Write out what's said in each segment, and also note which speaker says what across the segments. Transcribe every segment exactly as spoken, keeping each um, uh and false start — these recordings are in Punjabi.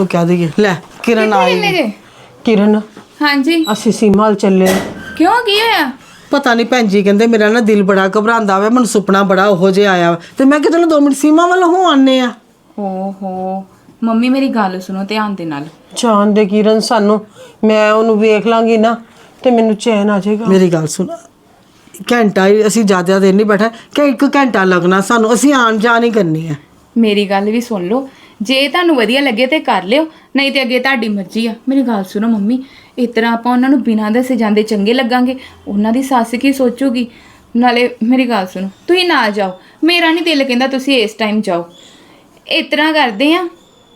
Speaker 1: ਨੂੰ ਕਹਿ ਦਈਏ। ਲੈ ਕਿਰਨ ਆਈ।
Speaker 2: ਕਿਰਨ
Speaker 3: ਹਾਂਜੀ
Speaker 2: ਅਸੀਂ ਸੀਮਾ ਵੱਲ ਚੱਲੇ।
Speaker 3: ਕਿਉਂ ਕੀ ਹੋਇਆ?
Speaker 1: ਪਤਾ ਨਹੀਂ ਭੈਣ ਜੀ ਕਹਿੰਦੇ ਮੇਰਾ ਨਾ ਦਿਲ ਬੜਾ ਘਬਰਾਉਂਦਾ ਵਾ, ਮੈਨੂੰ ਸੁਪਨਾ ਬੜਾ ਉਹੋ ਜਿਹਾ ਆਇਆ ਵਾ ਤੇ ਮੈਂ ਕਿਹਾ ਚਲੋ ਦੋ ਮਿੰਟ ਸੀਮਾ ਵੱਲ ਹੋ ਆਨੇ ਆ।
Speaker 3: ਓਹੋ ਮੰਮੀ ਮੇਰੀ ਗੱਲ ਸੁਣੋ ਧਿਆਨ ਦੇ ਨਾਲ।
Speaker 2: ਜਾਣ ਦੇ ਕਿਰਨ ਸਾਨੂੰ, ਮੈਂ ਉਹਨੂੰ ਵੇਖ ਲਾਂਗੀ ਨਾ ਤੇ ਮੈਨੂੰ ਚੈਨ ਆ ਜਾਏਗਾ।
Speaker 1: ਮੇਰੀ ਗੱਲ ਸੁਣ, ਘੰਟਾ ਹੀ ਅਸੀਂ ਜ਼ਿਆਦਾ ਦੇਰ ਨਹੀਂ ਬੈਠਾ ਕਿ ਇੱਕ ਘੰਟਾ ਲੱਗਣਾ ਸਾਨੂੰ, ਅਸੀਂ ਆਣ ਜਾਣ ਹੀ ਕਰਨੀ ਆ।
Speaker 3: ਮੇਰੀ ਗੱਲ ਵੀ ਸੁਣ ਲਓ, ਜੇ ਤੁਹਾਨੂੰ ਵਧੀਆ ਲੱਗੇ ਤੇ ਕਰ ਲਿਓ, ਨਹੀਂ ਤੇ ਅੱਗੇ ਤੁਹਾਡੀ ਮਰਜ਼ੀ ਆ। ਮੇਰੀ ਗੱਲ ਸੁਣੋ ਮੰਮੀ, ਇਸ ਤਰ੍ਹਾਂ ਆਪਾਂ ਉਹਨਾਂ ਨੂੰ ਬਿਨਾਂ ਦੱਸੇ ਜਾਂਦੇ ਚੰਗੇ ਲੱਗਾਂਗੇ, ਉਹਨਾਂ ਦੀ ਸੱਸ ਕੀ ਸੋਚੂਗੀ। ਨਾਲੇ ਮੇਰੀ ਗੱਲ ਸੁਣੋ, ਤੁਸੀਂ ਨਾ ਜਾਓ, ਮੇਰਾ ਨਹੀਂ ਦਿਲ ਕਹਿੰਦਾ ਤੁਸੀਂ ਇਸ ਟਾਈਮ ਜਾਓ। ਇਸ ਤਰ੍ਹਾਂ ਕਰਦੇ ਆ,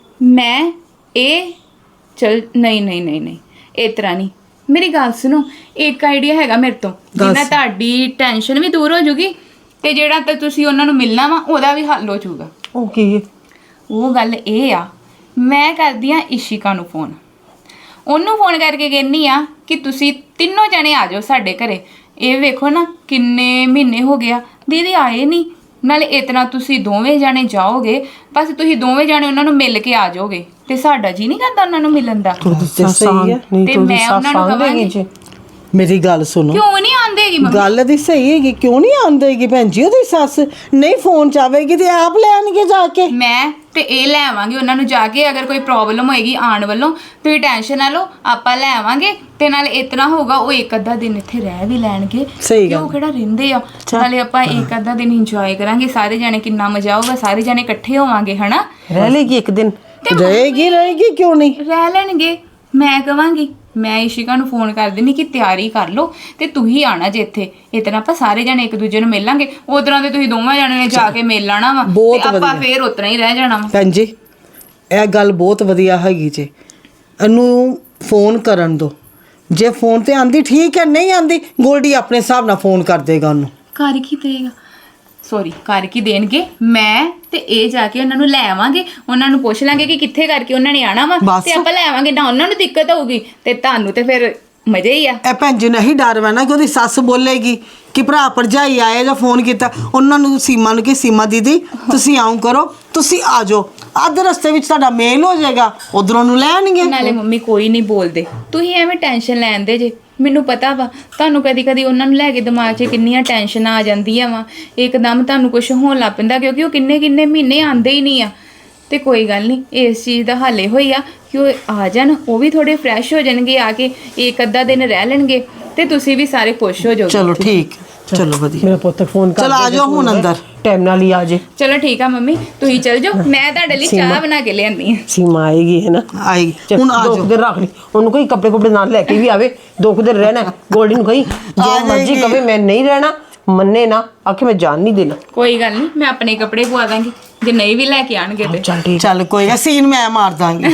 Speaker 3: ਮੈਂ ਇਹ ਚਲ ਨਹੀਂ ਨਹੀਂ ਨਹੀਂ ਨਹੀਂ ਇਸ ਤਰ੍ਹਾਂ ਨਹੀਂ। ਮੇਰੀ ਗੱਲ ਸੁਣੋ, ਇੱਕ ਆਈਡੀਆ ਹੈਗਾ ਮੇਰੇ ਤੋਂ, ਜਿਹਨਾਂ ਤੁਹਾਡੀ ਟੈਨਸ਼ਨ ਵੀ ਦੂਰ ਹੋ ਜੂਗੀ ਤੇ ਜਿਹੜਾ ਤੇ ਤੁਸੀਂ ਉਹਨਾਂ ਨੂੰ ਮਿਲਣਾ ਵਾ ਉਹਦਾ ਵੀ ਹੱਲ ਹੋ ਜਾਊਗਾ।
Speaker 2: ਉਹ ਕੀ ਹੈ?
Speaker 3: ਉਹ ਗੱਲ ਇਹ ਆ, ਮੈਂ ਕਰਦੀ ਆ ਇਸ਼ਿਕਾ ਨੂੰ ਫੋਨ, ਉਹਨੂੰ ਫੋਨ ਕਰਕੇ ਕਹਿੰਦੀ ਆ ਕਿ ਤੁਸੀਂ ਤਿੰਨੋਂ ਜਣੇ ਆ ਜਾਓ ਸਾਡੇ ਘਰੇ। ਇਹ ਵੇਖੋ ਨਾ ਕਿੰਨੇ ਮਹੀਨੇ ਹੋ ਗਿਆ ਦੀਦੀ ਆਏ ਨਹੀਂ, ਨਾਲੇ ਇਤਨਾ ਤੁਸੀਂ ਦੋਵੇਂ ਜਾਣੇ ਜਾਓਗੇ, ਬਸ ਤੁਸੀਂ ਦੋਵੇਂ ਜਾਣੇ ਉਹਨਾਂ ਨੂੰ ਮਿਲ ਕੇ ਆ ਜਾਓਗੇ ਤੇ ਸਾਡਾ ਜੀ ਨਹੀਂ ਕਰਦਾ ਉਹਨਾਂ ਨੂੰ ਮਿਲਣ ਦਾ।
Speaker 1: ਸਹੀ ਹੈ।
Speaker 2: ਨਹੀਂ
Speaker 3: ਤੇ
Speaker 2: ਤੂੰ
Speaker 3: ਮੈਂ ਉਹਨਾਂ ਨੂੰ ਕਹਾਂਗੀ
Speaker 2: ਜੀ
Speaker 1: ਮੇਰੀ ਗੱਲ ਸੁਣੋ,
Speaker 3: ਕਿਉਂ ਨਹੀਂ ਆਂਦੇਗੀ ਮੰਮੀ?
Speaker 1: ਗੱਲ ਦੀ ਸਹੀ ਹੈਗੀ, ਕਿਉਂ ਨਹੀਂ ਆਂਦੇਗੀ ਭੈਣ ਜੀ? ਉਹਦੀ ਸੱਸ ਨਹੀਂ ਫੋਨ ਚਾਵੇਗੀ ਤੇ ਆਪ ਲੈਣਗੇ ਜਾ ਕੇ।
Speaker 3: ਮੈਂ ਤੇ ਇਹ ਲੈ ਆਵਾਂਗੇ ਉਹਨਾਂ ਨੂੰ ਜਾ ਕੇ, ਅਗਰ ਕੋਈ ਪ੍ਰੋਬਲਮ ਹੋਏਗੀ ਆਉਣ ਵੱਲੋਂ ਤੁਸੀਂ ਟੈਨਸ਼ਨ ਨਾ ਲਓ, ਆਪਾਂ ਲੈ ਆਵਾਂਗੇ। ਤੇ ਨਾਲੇ ਇਤਨਾ ਹੋਊਗਾ ਉਹ ਇੱਕ ਅੱਧਾ ਦਿਨ ਇੱਥੇ ਰਹਿ ਵੀ ਲੈਣਗੇ,
Speaker 1: ਸਹੀ ਗੱਲ।
Speaker 3: ਉਹ ਕਿਹੜਾ ਰਹਿੰਦੇ ਆ। ਨਾਲੇ ਆਪਾਂ ਇੱਕ ਅੱਧਾ ਦਿਨ ਇੰਜੋਏ ਕਰਾਂਗੇ ਸਾਰੇ ਜਾਣੇ, ਕਿੰਨਾ ਮਜ਼ਾ ਆਊਗਾ, ਸਾਰੇ ਜਾਣੇ ਇਕੱਠੇ ਹੋਵਾਂਗੇ ਹਨਾ।
Speaker 2: ਰਹਿ ਲੇਗੀ ਇੱਕ ਦਿਨ?
Speaker 1: ਰਹੇਗੀ ਰਹੇਗੀ ਕਿਉਂ ਨਹੀਂ
Speaker 3: ਰਹਿ ਲੈਣਗੇ। ਮੈਂ ਕਵਾਂਗੀ, ਮੈਂ ਇਸ਼ਿਕਾ ਨੂੰ ਫੋਨ ਕਰ ਦਿੰਦੀ ਕਿ ਤਿਆਰੀ ਕਰ ਲਓ ਤੇ ਤੁਸੀਂ ਆਣਾ ਜੇ ਇੱਥੇ। ਇਤਨਾ ਆਪਾਂ ਸਾਰੇ ਜਣੇ ਇੱਕ ਦੂਜੇ ਨੂੰ ਮਿਲਾਂਗੇ, ਉਧਰਾਂ ਤੇ ਤੁਸੀਂ ਦੋਵਾਂ ਜਣੇ ਨੇ ਜਾ ਕੇ ਮਿਲ ਲੈਣਾ ਵਾ ਤੇ ਆਪਾਂ ਫੇਰ ਉਤਰਾ ਹੀ ਰਹਿ ਜਾਣਾ ਵਾ।
Speaker 1: ਭੈਣ ਜੀ ਇਹ ਗੱਲ ਬਹੁਤ ਵਧੀਆ ਹੈਗੀ ਜੇ, ਇਹਨੂੰ ਫੋਨ ਕਰਨ ਦੋ। ਜੇ ਫੋਨ ਤੇ ਆਂਦੀ ਠੀਕ ਹੈ, ਨਹੀਂ ਆਂਦੀ ਗੋਲਡੀ ਆਪਣੇ ਹਿਸਾਬ ਨਾਲ ਫੋਨ ਕਰ ਦੇਗਾ ਉਹਨੂੰ।
Speaker 3: ਕਰ ਕੀ ਦੇਗਾ, ਸੌਰੀ ਕਰ ਕੀ ਦੇਣਗੇ। ਮੈਂ ਤੇ ਇਹ ਜਾ ਕੇ ਉਹਨਾਂ ਨੂੰ ਲੈ ਆਵਾਂਗੇ, ਉਹਨਾਂ ਨੂੰ ਪੁੱਛ ਲਾਂਗੇ ਕਿ ਕਿੱਥੇ ਕਰਕੇ ਉਹਨਾਂ ਨੇ ਆਣਾ ਵਾ ਤੇ ਆਪਾਂ ਲੈ ਆਵਾਂਗੇ। ਨਾ ਉਹਨਾਂ ਨੂੰ ਦਿੱਕਤ ਹੋਊਗੀ ਤੇ ਤੁਹਾਨੂੰ ਤੇ ਫਿਰ ਮਜ਼ੇ ਹੀ ਆ।
Speaker 1: ਇਹ ਭੈਣ ਜੀ ਨਹੀਂ ਡਰ ਵਾ ਨਾ ਕਿ ਉਹਦੀ ਸੱਸ ਬੋਲੇਗੀ ਕਿ ਭਰਾ ਭਰਜਾਈ ਆਏ ਜਾਂ ਫੋਨ ਕੀਤਾ। ਉਹਨਾਂ ਨੂੰ ਸੀਮਾ ਨੂੰ ਕਿ ਸੀਮਾ ਦੀਦੀ ਤੁਸੀਂ ਆਉਂ ਕਰੋ, ਤੁਸੀਂ ਆ ਜਾਓ, ਅੱਧ ਰਸਤੇ ਵਿੱਚ ਤੁਹਾਡਾ ਮੇਲ ਹੋ ਜਾਏਗਾ, ਉਧਰੋਂ ਨੂੰ ਲੈਣਗੇ।
Speaker 3: ਨਾਲੇ ਮੰਮੀ ਕੋਈ ਨਹੀਂ ਬੋਲਦੇ, ਤੁਸੀਂ ਐਵੇਂ ਟੈਨਸ਼ਨ ਲੈਂਦੇ ਜੇ। ਮੈਨੂੰ ਪਤਾ ਵਾ ਤੁਹਾਨੂੰ ਕਦੀ ਕਦੀ ਉਹਨਾਂ ਨੂੰ ਲੈ ਕੇ ਦਿਮਾਗ 'ਚ ਕਿੰਨੀਆਂ ਟੈਨਸ਼ਨਾਂ ਆ ਜਾਂਦੀਆਂ ਵਾ, ਇੱਕਦਮ ਤੁਹਾਨੂੰ ਕੁਝ ਹੋਣ ਲੱਗ ਪੈਂਦਾ, ਕਿਉਂਕਿ ਉਹ ਕਿੰਨੇ ਕਿੰਨੇ ਮਹੀਨੇ ਆਉਂਦੇ ਹੀ ਨਹੀਂ ਆ। ਤੇ ਕੋਈ ਗੱਲ ਨਹੀਂ, ਇਸ ਚੀਜ਼ ਦਾ ਹੱਲ ਇਹੋ ਹੀ ਆ ਕਿ ਉਹ ਆ ਜਾਣ, ਉਹ ਵੀ ਥੋੜੇ ਫਰੈਸ਼ ਹੋ ਜਾਣਗੇ, ਆ ਕੇ ਇੱਕ ਅੱਧਾ ਦਿਨ ਰਹਿ ਲੈਣਗੇ ਤੇ ਤੁਸੀਂ ਵੀ ਸਾਰੇ ਖੁਸ਼ ਹੋ ਜਾਓਗੇ।
Speaker 1: ਚਲੋ ਠੀਕ, ਚਲੋ ਵਧੀਆ।
Speaker 2: ਮੇਰਾ ਪੁੱਤ ਫੋਨ ਕਰ।
Speaker 1: ਚਲ ਆ ਜਾਓ ਹੁਣ ਅੰਦਰ,
Speaker 2: ਟਾਈਮ ਨਾਲ ਹੀ ਆ ਜੇ।
Speaker 3: ਚਲੋ ਠੀਕ ਆ ਮੰਮੀ, ਤੁਸੀਂ ਚਲ ਜਾਓ, ਮੈਂ ਤੁਹਾਡੇ ਲਈ ਚਾਹ ਬਣਾ ਕੇ ਲਿਆਂਦੀ ਆ।
Speaker 2: ਸੀਮਾ ਆਏਗੀ ਹੈ ਨਾ,
Speaker 1: ਆਈ ਹੁਣ ਆ
Speaker 2: ਦੋ
Speaker 1: ਜਾਓ।
Speaker 2: ਦਿਨ ਰੱਖ ਲਈ ਉਹਨੂੰ, ਕੋਈ ਕੱਪੜੇ ਕੁਪੜੇ ਨਾਲ ਲੈ ਕੇ ਵੀ ਆਵੇ, ਦੋ ਕੁ ਦਿਨ ਰਹਿਣਾ। ਗੋਲਡੀ ਨੂੰ ਕਹੀ ਜੋ ਮਰਜ਼ੀ ਕਵੇ ਮੈਂ ਨਹੀਂ ਰਹਿਣਾ, ਮੰਨੇ ਨਾ ਆਖੇ ਮੈਂ ਜਾਣ ਨਹੀਂ ਦੇਣਾ।
Speaker 3: ਕੋਈ ਗੱਲ ਨਹੀਂ, ਮੈਂ ਆਪਣੇ ਕੱਪੜੇ ਪਵਾ ਦਾਂਗੀ ਜੇ ਨਹੀਂ ਵੀ ਲੈ ਕੇ ਆਣਗੇ ਤੇ।
Speaker 2: ਚੱਲ ਠੀਕ,
Speaker 1: ਚੱਲ ਕੋਈ ਨਾ, ਸੀਨ ਮੈਂ ਮਾਰ ਦਾਂਗੀ।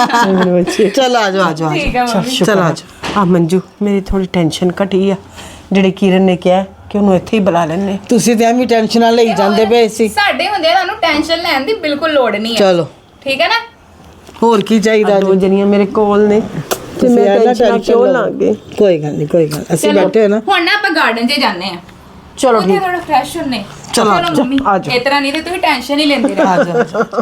Speaker 1: ਚਲ ਆ ਜਾਓ ਆ ਜਾਓ
Speaker 3: ਠੀਕ ਆ ਮੰਮੀ।
Speaker 1: ਚਲ ਆ ਜਾਓ।
Speaker 2: ਆ ਮੰਜੂ ਮੇਰੀ ਥੋੜੀ ਟੈਨਸ਼ਨ ਘਟੀ ਆ, ਜਿਹੜੇ ਕਿਰਨ ਨੇ ਕਿਹਾ ਕਿ ਉਹਨੂੰ ਇੱਥੇ ਹੀ ਬੁਲਾ ਲੈਣੇ।
Speaker 1: ਤੁਸੀਂ ਤੇ ਐਵੇਂ ਟੈਨਸ਼ਨਾਂ ਲਈ ਜਾਂਦੇ ਪਏ ਸੀ।
Speaker 3: ਸਾਡੇ ਹੁੰਦੇ ਤੁਹਾਨੂੰ ਟੈਨਸ਼ਨ ਲੈਣ ਦੀ ਬਿਲਕੁਲ ਲੋੜ ਨਹੀਂ ਹੈ।
Speaker 1: ਚਲੋ
Speaker 3: ਠੀਕ ਹੈ ਨਾ।
Speaker 1: ਹੋਰ ਕੀ ਚਾਹੀਦਾ
Speaker 2: ਦੋ ਜਣੀਆਂ ਮੇਰੇ ਕੋਲ ਨੇ ਤੇ ਮੈਂ ਟੈਨਸ਼ਨ ਕਿਉਂ ਲਾਂਗੇ।
Speaker 1: ਕੋਈ ਗੱਲ ਨਹੀਂ, ਕੋਈ ਗੱਲ, ਅਸੀਂ
Speaker 3: ਚਲੋ,
Speaker 1: ਬੈਠੇ ਹਾਂ ਨਾ।
Speaker 3: ਹੁਣ ਨਾ ਆਪਾਂ ਗਾਰਡਨ 'ਚ ਜਾਂਦੇ ਆ।
Speaker 2: ਚਲੋ
Speaker 3: ਉੱਥੇ
Speaker 2: ਠੀਕ,
Speaker 3: ਥੋੜਾ ਫਰੈਸ਼ ਹੁੰਨੇ।
Speaker 1: ਚਲੋ ਆ ਜਾਓ,
Speaker 3: ਮੰਮੀ
Speaker 2: ਆ ਜਾਓ।
Speaker 3: ਇਸ ਤਰ੍ਹਾਂ ਨਹੀਂ ਤੇ ਤੁਸੀਂ ਟੈਨਸ਼ਨ ਹੀ ਲੈਂਦੇ ਰਹੋ।
Speaker 1: ਆ ਜਾਓ।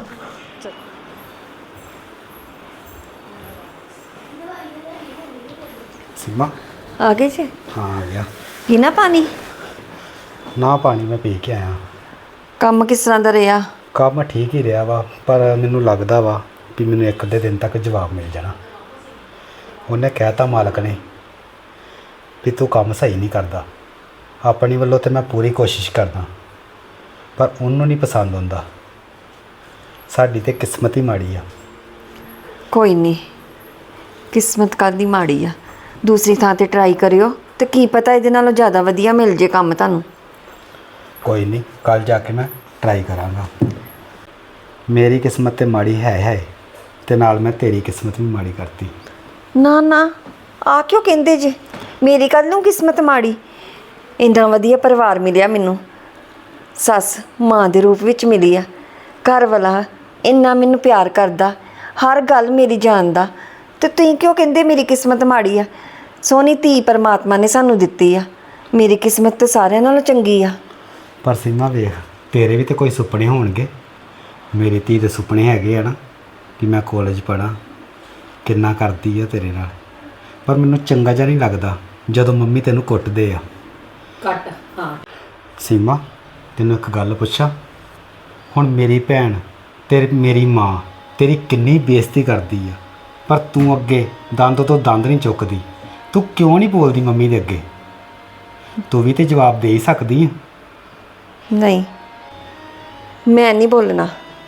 Speaker 4: सीमा
Speaker 5: आ गए थे?
Speaker 4: हाँ आ गया।
Speaker 5: पीना पानी?
Speaker 4: ना पानी मैं पी के आया।
Speaker 5: ਕੰਮ ਕਿਸ ਤਰ੍ਹਾਂ ਦਾ ਰਿਹਾ?
Speaker 4: ਕੰਮ ਠੀਕ ਹੀ ਰਿਹਾ ਵਾ, ਪਰ ਮੈਨੂੰ ਲੱਗਦਾ ਵਾ ਵੀ ਮੈਨੂੰ ਇੱਕ ਅੱਧੇ ਦਿਨ ਤੱਕ ਜਵਾਬ ਮਿਲ ਜਾਣਾ। ਉਹਨੇ ਕਹਿਤਾ ਮਾਲਕ ਨੇ ਵੀ ਤੂੰ ਕੰਮ ਸਹੀ ਨਹੀਂ ਕਰਦਾ। ਆਪਣੀ ਵੱਲੋਂ ਤੇ ਮੈਂ ਪੂਰੀ ਕੋਸ਼ਿਸ਼ ਕਰਦਾ, ਪਰ ਉਹਨੂੰ ਨਹੀਂ ਪਸੰਦ ਆਉਂਦਾ। ਸਾਡੀ ਤੇ ਕਿਸਮਤ ਹੀ ਮਾੜੀ ਆ।
Speaker 5: ਕੋਈ ਨਹੀਂ, ਕਿਸਮਤ ਕਾਹਦੀ ਮਾੜੀ ਆ। ਦੂਸਰੀ ਥਾਂ ਤੇ ਟਰਾਈ ਕਰਿਓ ਤੇ ਕੀ ਪਤਾ ਇਹਦੇ ਨਾਲੋਂ ਜ਼ਿਆਦਾ ਵਧੀਆ ਮਿਲ ਜੇ ਕੰਮ ਤੁਹਾਨੂੰ।
Speaker 4: ਕੋਈ ਨਹੀਂ, ਕੱਲ ਜਾ ਕੇ ਮੈਂ ਟਰਾਈ ਕਰਾਂਗਾ। ਮੇਰੀ ਕਿਸਮਤ ਤੇ ਮਾੜੀ ਹੈ ਹੈ ਤੇ ਨਾਲ ਮੈਂ ਤੇਰੀ ਕਿਸਮਤ ਵੀ ਮਾੜੀ ਕਰਤੀ।
Speaker 5: ਨਾ ਨਾ, ਆ ਕਿਉਂ ਕਹਿੰਦੇ ਜੇ? ਮੇਰੀ ਕੱਲ ਨੂੰ ਕਿਸਮਤ ਮਾੜੀ? ਇੰਨਾ ਵਧੀਆ ਪਰਿਵਾਰ ਮਿਲਿਆ ਮੈਨੂੰ, ਸੱਸ ਮਾਂ ਦੇ ਰੂਪ ਵਿੱਚ ਮਿਲੀ ਆ, ਘਰ ਵਾਲਾ ਇੰਨਾ ਮੈਨੂੰ ਪਿਆਰ ਕਰਦਾ, ਹਰ ਗੱਲ ਮੇਰੀ ਜਾਣਦਾ, ਤੇ ਤੁਸੀਂ ਕਿਉਂ ਕਹਿੰਦੇ ਮੇਰੀ ਕਿਸਮਤ ਮਾੜੀ ਆ? ਸੋਹਣੀ ਧੀ ਪਰਮਾਤਮਾ ਨੇ ਸਾਨੂੰ ਦਿੱਤੀ ਆ, ਮੇਰੀ ਕਿਸਮਤ ਤੇ ਸਾਰਿਆਂ ਨਾਲੋਂ ਚੰਗੀ ਆ।
Speaker 4: ਪਰ ਸੀਮਾ ਵੇਖ, ਤੇਰੇ ਵੀ ਤੇ ਕੋਈ ਸੁਪਨੇ ਹੋਣਗੇ। ਮੇਰੀ ਧੀ ਦੇ ਸੁਪਨੇ ਹੈਗੇ ਆ ਨਾ ਕਿ ਮੈਂ ਕਾਲਜ ਪੜ੍ਹਾਂ, ਕਿੰਨਾ ਕਰਦੀ ਆ ਤੇਰੇ ਨਾਲ, ਪਰ ਮੈਨੂੰ ਚੰਗਾ ਜਿਹਾ ਨਹੀਂ ਲੱਗਦਾ ਜਦੋਂ ਮੰਮੀ ਤੈਨੂੰ ਕੁੱਟਦੇ ਆ।
Speaker 2: ਕੱਟ ਹਾਂ।
Speaker 4: ਸੀਮਾ, ਤੈਨੂੰ ਇੱਕ ਗੱਲ ਪੁੱਛਾਂ? ਹੁਣ ਮੇਰੀ ਭੈਣ ਤੇ ਮੇਰੀ ਮਾਂ ਤੇਰੀ ਕਿੰਨੀ ਬੇਇੱਜ਼ਤੀ ਕਰਦੀ ਆ, ਪਰ ਤੂੰ ਅੱਗੇ ਦੰਦ ਤੋਂ ਦੰਦ ਨਹੀਂ ਚੁੱਕਦੀ। ਤੂੰ ਕਿਉਂ ਨਹੀਂ ਬੋਲਦੀ ਮੰਮੀ ਦੇ ਅੱਗੇ? ਤੂੰ ਵੀ ਤੇ ਜਵਾਬ ਦੇ ਹੀ ਸਕਦੀ ਆ।
Speaker 5: ਨਹੀਂ, ਮੈਂ ਨਹੀਂ ਬੋਲਣਾ।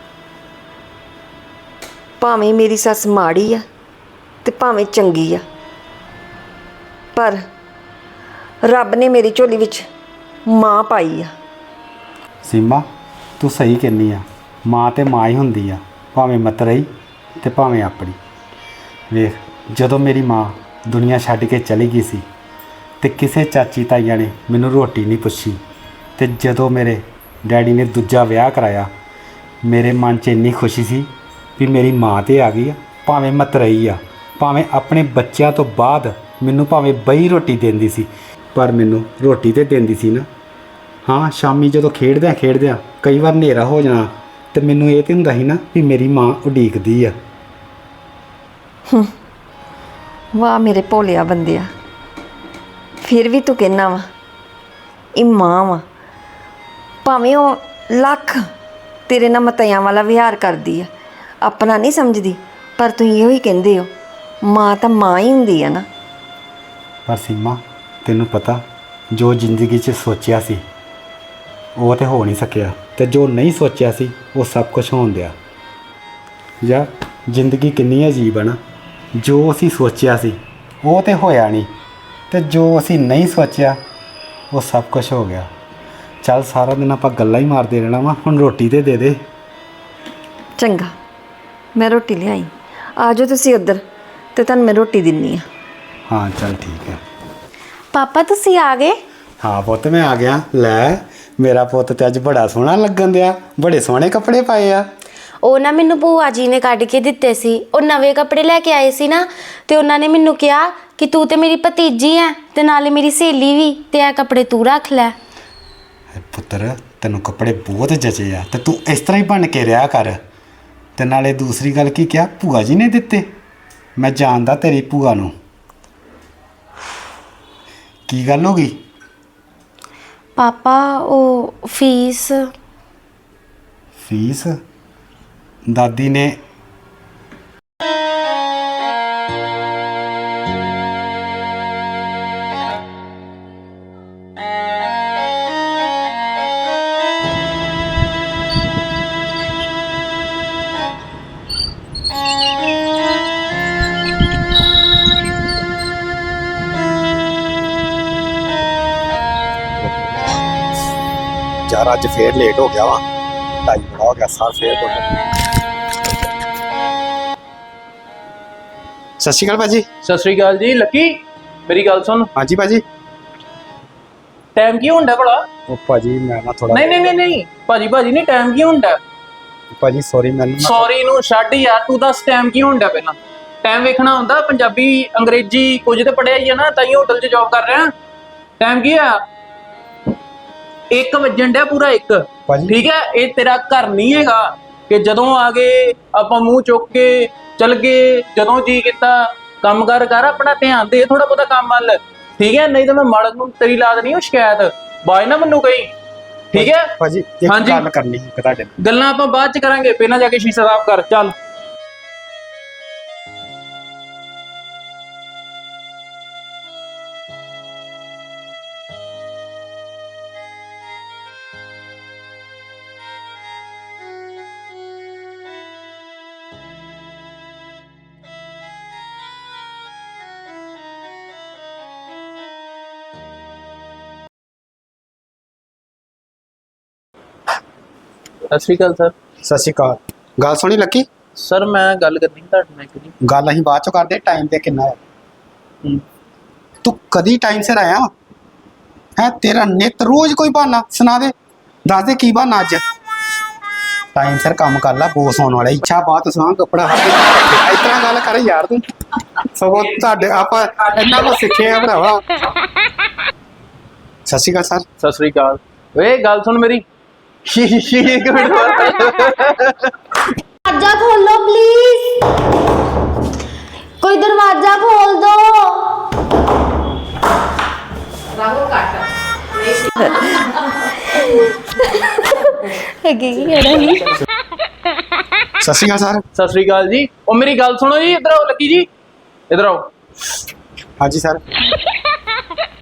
Speaker 5: ਭਾਵੇਂ ਮੇਰੀ ਸੱਸ ਮਾੜੀ ਆ ਤੇ ਭਾਵੇਂ ਚੰਗੀ ਆ, ਪਰ ਰੱਬ ਨੇ ਮੇਰੀ ਝੋਲੀ ਵਿੱਚ ਮਾਂ ਪਾਈ ਆ।
Speaker 4: ਸੀਮਾ, ਤੂੰ ਸਹੀ ਕਹਿੰਦੀ ਆ, ਮਾਂ ਤੇ ਮਾਂ ਹੀ ਹੁੰਦੀ ਆ, ਭਾਵੇਂ ਮਤਰਈ ਤੇ ਭਾਵੇਂ ਆਪਣੀ। ਵੇਖ, ਜਦੋਂ ਮੇਰੀ ਮਾਂ ਦੁਨੀਆ ਛੱਡ ਕੇ ਚਲੀ ਗਈ ਸੀ ਤੇ ਕਿਸੇ ਚਾਚੀ ਤਾਈਆਂ ਨੇ ਮੈਨੂੰ ਰੋਟੀ ਨਹੀਂ ਪੁੱਛੀ, ਤੇ ਜਦੋਂ ਮੇਰੇ ਡੈਡੀ ਨੇ ਦੂਜਾ ਵਿਆਹ ਕਰਾਇਆ, ਮੇਰੇ ਮਨ 'ਚ ਇੰਨੀ ਖੁਸ਼ੀ ਸੀ ਵੀ ਮੇਰੀ ਮਾਂ ਤੇ ਆ ਗਈ ਆ, ਭਾਵੇਂ ਮਤਰਈ ਆ, ਭਾਵੇਂ ਆਪਣੇ ਬੱਚਿਆਂ ਤੋਂ ਬਾਅਦ ਮੈਨੂੰ ਭਾਵੇਂ ਬਈ ਰੋਟੀ ਦਿੰਦੀ ਸੀ, ਪਰ ਮੈਨੂੰ ਰੋਟੀ ਤੇ ਦਿੰਦੀ ਸੀ ਨਾ। ਹਾਂ, ਸ਼ਾਮੀ ਜਦੋਂ ਖੇਡਦਿਆਂ ਖੇਡਦਿਆਂ ਕਈ ਵਾਰ ਹਨੇਰਾ ਹੋ ਜਾਣਾ ਤੇ ਮੈਨੂੰ ਇਹ ਤੇ ਹੁੰਦਾ ਸੀ ਨਾ ਵੀ ਮੇਰੀ ਮਾਂ ਉਡੀਕਦੀ ਆ।
Speaker 5: ਵਾਹ ਮੇਰੇ ਭੋਲਿਆ ਬੰਦਿਆ, ਫਿਰ ਵੀ ਤੂੰ ਕਹਿਣਾ ਵਾ ਇਹ ਮਾਂ ਵਾ। ਭਾਵੇਂ ਉਹ ਲੱਖ ਤੇਰੇ ਨਾਲ ਮਤਿਆਂ ਵਾਲਾ ਵਿਹਾਰ ਕਰਦੀ ਆ, ਆਪਣਾ ਨਹੀਂ ਸਮਝਦੀ, ਪਰ ਤੁਸੀਂ ਇਹੋ ਹੀ ਕਹਿੰਦੇ ਹੋ ਮਾਂ ਤਾਂ ਮਾਂ ਹੀ ਹੁੰਦੀ ਆ ਨਾ।
Speaker 4: ਪਰ ਸੀਮਾ, ਤੈਨੂੰ ਪਤਾ, ਜੋ ਜ਼ਿੰਦਗੀ 'ਚ ਸੋਚਿਆ ਸੀ ਉਹ ਤੇ ਹੋ ਨਹੀਂ ਸਕਿਆ, ਤੇ ਜੋ ਨਹੀਂ ਸੋਚਿਆ ਸੀ ਉਹ ਸਭ ਕੁਝ ਹੋਣ ਦਿਆ। ਯਾਰ, ਜ਼ਿੰਦਗੀ ਕਿੰਨੀ ਅਜੀਬ ਆ ਨਾ। ਜੋ ਅਸੀਂ ਸੋਚਿਆ ਸੀ ਉਹ ਤੇ ਹੋਇਆ ਨਹੀਂ, ਤੇ ਜੋ ਅਸੀਂ ਨਹੀਂ ਸੋਚਿਆ ਉਹ ਸਭ ਕੁਝ ਹੋ ਗਿਆ। ਚੱਲ, ਸਾਰਾ ਦਿਨ ਆਪਾਂ ਗੱਲਾਂ ਹੀ ਮਾਰਦੇ ਰਹਿਣਾ ਵਾ, ਹੁਣ ਰੋਟੀ ਤੇ ਦੇ ਦੇ।
Speaker 5: ਚੰਗਾ, ਮੈਂ ਰੋਟੀ ਲਿਆਈ, ਆ ਜਾਓ ਤੁਸੀਂ ਉੱਧਰ ਤੇ ਤੁਹਾਨੂੰ ਮੈਂ ਰੋਟੀ ਦਿੰਨੀ ਆ।
Speaker 4: ਹਾਂ ਚੱਲ ਠੀਕ ਹੈ।
Speaker 6: ਪਾਪਾ ਤੁਸੀਂ ਆ ਗਏ?
Speaker 4: ਹਾਂ ਪੁੱਤ, ਮੈਂ ਆ ਗਿਆ। ਲੈ, ਮੇਰਾ ਪੁੱਤ ਤੇ ਅੱਜ ਬੜਾ ਸੋਹਣਾ ਲੱਗਣ ਦਿਆ, ਬੜੇ ਸੋਹਣੇ ਕੱਪੜੇ ਪਾਏ ਆ।
Speaker 6: ਉਹ ਨਾ ਮੈਨੂੰ ਭੂਆ ਜੀ ਨੇ ਕੱਢ ਕੇ ਦਿੱਤੇ ਸੀ, ਉਹ ਨਵੇਂ ਕੱਪੜੇ ਲੈ ਕੇ ਆਏ ਸੀ ਨਾ, ਤੇ ਉਹਨਾਂ ਨੇ ਮੈਨੂੰ ਕਿਹਾ ਕਿ ਤੂੰ ਤੇ ਮੇਰੀ ਭਤੀਜੀ ਹੈ ਤੇ ਨਾਲੇ ਮੇਰੀ ਸਹੇਲੀ ਵੀ, ਤੇ ਇਹ ਕੱਪੜੇ ਤੂੰ ਰੱਖ ਲੈ।
Speaker 4: ਪੁੱਤਰ, ਤੈਨੂੰ ਕੱਪੜੇ ਬਹੁਤ ਜਚੇ ਆ, ਤੇ ਤੂੰ ਇਸ ਤਰ੍ਹਾਂ ਹੀ ਬਣ ਕੇ ਰਿਹਾ ਕਰ। ਤੇ ਨਾਲੇ ਦੂਸਰੀ ਗੱਲ ਕੀ ਕਿਹਾ, ਭੂਆ ਜੀ ਨੇ ਦਿੱਤੇ? ਮੈਂ ਜਾਣਦਾ ਤੇਰੀ ਭੂਆ ਨੂੰ। ਕੀ ਗੱਲ ਹੋ ਗਈ?
Speaker 6: ਪਾਪਾ ਉਹ ਫੀਸ
Speaker 4: ਫੀਸ? ਦਾਦੀ ਨੇ ਯਾਰ, ਅੱਜ ਫੇਰ ਲੇਟ ਹੋ ਗਿਆ ਵਾ, ਢਾਈ ਬੜਾ ਹੋ ਗਿਆ, ਸਾਰ ਫੇਰ ਹੋ ਗਿਆ। ਸਤਿ ਸ਼੍ਰੀ ਅਕਾਲ ਭਾਜੀ।
Speaker 7: ਸਤਿ ਸ੍ਰੀ ਅਕਾਲ ਜੀ। ਲੱਕੀ, ਮੇਰੀ ਗੱਲ ਸੁਣ।
Speaker 4: ਹਾਂਜੀ ਭਾਜੀ।
Speaker 7: ਟਾਈਮ ਕੀ ਹੁੰਦਾ ਭਲਾ?
Speaker 4: ਉਹ ਭਾਜੀ, ਮੈਂ ਨਾ ਥੋੜਾ
Speaker 7: ਨਹੀਂ ਨਹੀਂ ਨਹੀਂ ਨਹੀਂ ਭਾਜੀ ਭਾਜੀ ਨਹੀਂ, ਟਾਈਮ ਕੀ ਹੁੰਦਾ?
Speaker 4: ਭਾਜੀ ਸੌਰੀ, ਮੈਨੂੰ ਨਾ-
Speaker 7: ਸੌਰੀ ਨੂੰ ਛੱਡ ਯਾਰ, ਤੂੰ ਦੱਸ ਟਾਈਮ ਕੀ ਹੁੰਦਾ ਪਹਿਲਾਂ। ਟਾਈਮ ਵੇਖਣਾ ਹੁੰਦਾ, ਪੰਜਾਬੀ ਅੰਗਰੇਜ਼ੀ ਕੁਝ ਤੇ ਪੜਿਆ ਹੀ ਆ ਨਾ, ਤਾਂ ਹੀ ਹੋਟਲ 'ਚ ਜੌਬ ਕਰ ਰਿਹਾ। ਟਾਈਮ ਕੀ ਆ? ਇੱਕ ਵੱਜਣ ਡਿਆ, ਪੂਰਾ ਇੱਕ।
Speaker 4: ਭਾਜੀ।
Speaker 7: ਠੀਕ ਹੈ, ਇਹ ਤੇਰਾ ਘਰ ਨਹੀਂ ਹੈਗਾ ਕਿ ਜਦੋਂ ਆ ਗਏ ਆਪਾਂ ਮੂੰਹ ਚੁੱਕ ਕੇ ਚਲ ਗਏ। ਜਦੋਂ ਜੀ ਕੀਤਾ ਕੰਮ ਕਰ ਕਰ, ਆਪਣਾ ਧਿਆਨ ਦੇ ਥੋੜਾ ਬਹੁਤਾ ਕੰਮ ਵੱਲ, ਠੀਕ ਹੈ? ਨਹੀਂ ਤਾਂ ਮੈਂ ਮਾਲਕ ਨੂੰ ਤੇਰੀ ਲਾ ਦੇਣੀ ਉਹ ਸ਼ਿਕਾਇਤ, ਬਾਅਦ ਨਾ ਮੈਨੂੰ ਕਹੀਂ, ਠੀਕ ਹੈ?
Speaker 4: ਭਾਜੀ, ਇੱਕ
Speaker 7: ਹਾਂਜੀ।
Speaker 4: ਗੱਲ ਕਰਨੀ ਸੀ ਤੁਹਾਡੇ ਨਾਲ।
Speaker 7: ਗੱਲਾਂ ਆਪਾਂ ਬਾਅਦ ਚ ਕਰਾਂਗੇ, ਪਹਿਲਾਂ ਜਾ ਕੇ ਸ਼ੀਸ਼ਾ ਸਾਫ਼ ਕਰ ਚੱਲ। ਸਤਿ ਸ਼੍ਰੀ ਅਕਾਲ ਸਰ।
Speaker 4: ਸਤਿ ਸ਼੍ਰੀ ਅਕਾਲ। ਗੱਲ ਸੁਣੀ ਲੱਕੀ?
Speaker 7: ਸਰ ਮੈਂ ਗੱਲ ਕਰਨੀ ਸੀ ਤੁਹਾਡੇ ਨਾਲ ਇੱਕ ਜੀ।
Speaker 4: ਗੱਲ ਅਸੀਂ ਬਾਅਦ ਚੋਂ ਕਰਦੇ, ਟਾਈਮ ਤੇ ਕਿੰਨਾ ਹੈ?
Speaker 7: ਹੂੰ।
Speaker 4: ਤੂੰ ਕਦੀ ਟਾਈਮ ਸਿਰ ਆਇਆ ਹੈ? ਤੇਰਾ ਨਿਤ ਰੋਜ਼ ਕੋਈ ਬਹਾਨਾ ਸੁਣਾ ਦੇ, ਦੱਸ ਦੇ ਕੀ ਬਹਾਨਾ ਅੱਜ। ਟਾਈਮ ਸਿਰ ਕੰਮ ਕਰ ਲੈ, ਬੋਸ ਹੋਣ ਵਾਲਾ। ਇੱਛਾ ਬਾਤ ਸੁਣਾ, ਕੱਪੜਾ ਹੱਥ ਇਸ ਤਰ੍ਹਾਂ ਗੱਲ ਕਰ ਯਾਰ ਤੂੰ। ਸਗੋਂ ਤੁਹਾਡੇ ਆਪਾਂ ਇੰਨਾ ਕੁ ਸਿੱਖੇ ਆ ਭਰਾਵਾ। ਸਤਿ ਸ਼੍ਰੀ ਅਕਾਲ ਸਰ।
Speaker 7: ਸਤਿ ਸ਼੍ਰੀ ਅਕਾਲ। ਓਏ ਗੱਲ ਸੁਣ ਮੇਰੀ। ਇੱਕ ਮਿੰਟ
Speaker 6: दरवाजा खोलो प्लीज, कोई दरवाजा खोल दो।
Speaker 8: ਸਤਿ ਸ਼੍ਰੀ ਅਕਾਲ ਸਰ।
Speaker 7: ਸਤਿ ਸ੍ਰੀ ਅਕਾਲ ਜੀ। ਉਹ ਮੇਰੀ ਗੱਲ ਸੁਣੋ ਜੀ, ਇੱਧਰ ਆਓ ਲੱਕੀ ਜੀ, ਇੱਧਰ ਆਓ।
Speaker 8: ਹਾਂਜੀ ਸਰ।